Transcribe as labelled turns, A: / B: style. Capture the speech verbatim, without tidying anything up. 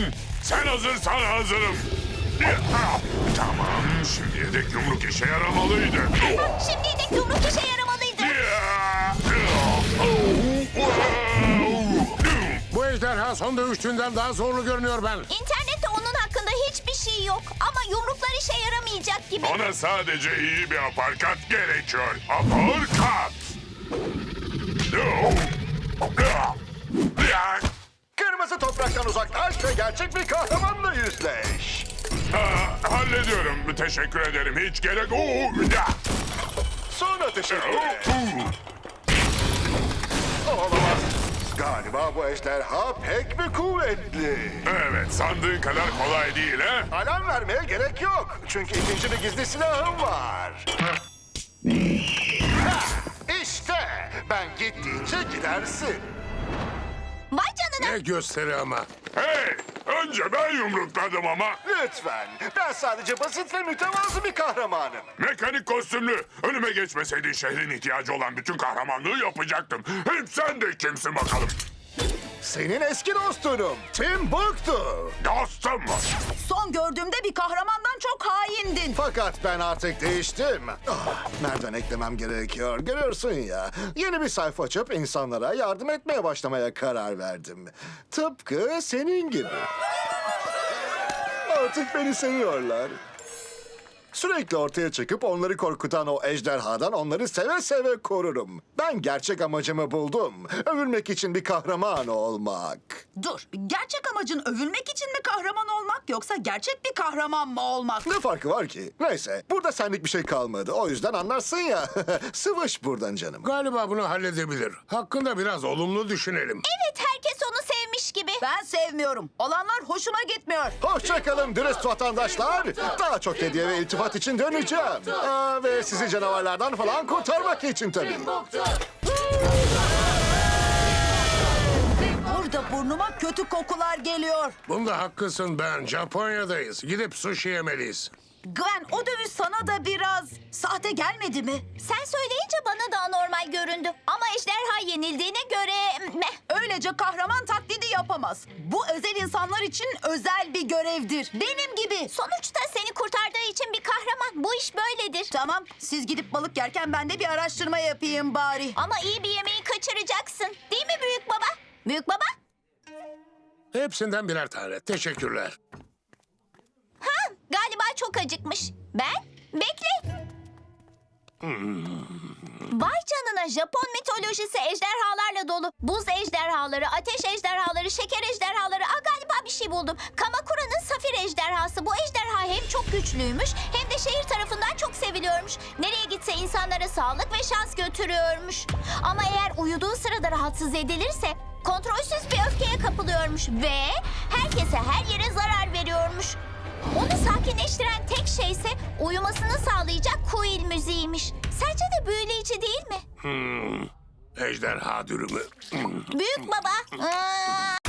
A: Sen hazırsan hazırım. Tamam, şimdiye dek yumruk işe yaramalıydı.
B: Şimdiye dek yumruk işe yaramalıydı.
C: Bu ejderha son dövüştüğünden daha zorlu görünüyor ben.
B: İnternette onun hakkında hiçbir şey yok. Ama yumruklar işe yaramayacak gibi.
A: Ona sadece iyi bir aparkat gerekiyor. Aparkat!
D: Kırmızı topraktan uzaklaş ve gerçek bir kahramanla yüzleş.
A: Aa, hallediyorum. Teşekkür ederim. Hiç gerek... Oo, ya.
D: Sonra teşekkür et. Olamaz. Galiba bu ejderha pek bir kuvvetli.
A: Evet, sandığın kadar kolay değil ha?
D: Alarm vermeye gerek yok. Çünkü ikinci bir gizli silahım var. Ha, İşte ben gittiğince gidersin.
B: Vay canına.
C: Ne gösteri ama.
A: Hey! Önce ben yumrukladım ama.
D: Lütfen. Ben sadece basit ve mütevazı bir kahramanım.
A: Mekanik kostümlü. Önüme geçmeseydin şehrin ihtiyacı olan bütün kahramanlığı yapacaktım. Hem sen de kimsin bakalım?
D: Senin eski dostunum. Timbuktu.
A: Dostum mu?
E: Son gördüğümde bir kahramandan çok haindin.
D: Fakat ben artık değiştim. Ah, nereden eklemem gerekiyor? Görüyorsun ya. Yeni bir sayfa açıp insanlara yardım etmeye başlamaya karar verdim. Tıpkı senin gibi. Artık beni seviyorlar. Sürekli ortaya çıkıp onları korkutan o ejderhadan onları seve seve korurum. Ben gerçek amacımı buldum. Övülmek için bir kahraman olmak.
E: Dur, gerçek amacın övülmek için mi kahraman olmak yoksa gerçek bir kahraman mı olmak?
D: Ne farkı var ki? Neyse, burada senlik bir şey kalmadı. O yüzden anlarsın ya. Sıvış buradan canım.
C: Galiba bunu halledebilir. Hakkında biraz olumlu düşünelim.
B: Evet, herkes onu sevmiş gibi.
E: Ben sevmiyorum. Olanlar hoşuma gitmiyor.
D: Hoşçakalın dürüst vatandaşlar. Daha çok hediye ve iltifat için döneceğim. Aa, ve sizi canavarlardan falan kurtarmak için tabii.
E: Burada burnuma kötü kokular geliyor.
C: Bunda haklısın ben. Japonya'dayız. Gidip sushi yemeliyiz.
E: Gwen, o dövüş sana da biraz sahte gelmedi mi?
B: Sen söyleyince bana da anormal göründü. Ama ejderha yenildiğine göre... meh.
E: Öylece kahraman taklidi yapamaz. Bu özel insanlar için özel bir görevdir. Benim gibi.
B: Sonuçta seni kurtardığı için bir kahraman. Bu iş böyledir.
E: Tamam, siz gidip balık yerken ben de bir araştırma yapayım bari.
B: Ama iyi bir yemeği kaçıracaksın. Değil mi büyük baba? Büyük baba?
C: Hepsinden birer tane. Teşekkürler.
B: Ha, galiba çok acıkmış. Ben? Bekle. Vay canına, Japon mitolojisi ejderhalarla dolu. Buz ejderhaları, ateş ejderhaları, şeker ejderhaları. Aa, galiba bir şey buldum. Kamakura'nın safir ejderhası. Bu ejderha hem çok güçlüymüş hem de şehir tarafından çok seviliyormuş. Nereye gitse insanlara sağlık ve şans götürüyormuş. Ama eğer uyuduğu sırada rahatsız edilirse kontrolsüz bir öfkeye kapılıyormuş ve herkese her yere zarar veriyormuş. Onu sakinleştiren tek şey ise uyumasını sağlayacak kuil müziğiymiş. Sence de büyüleyici değil mi?
C: Ejderha dürümü.
B: Büyük baba. Aa!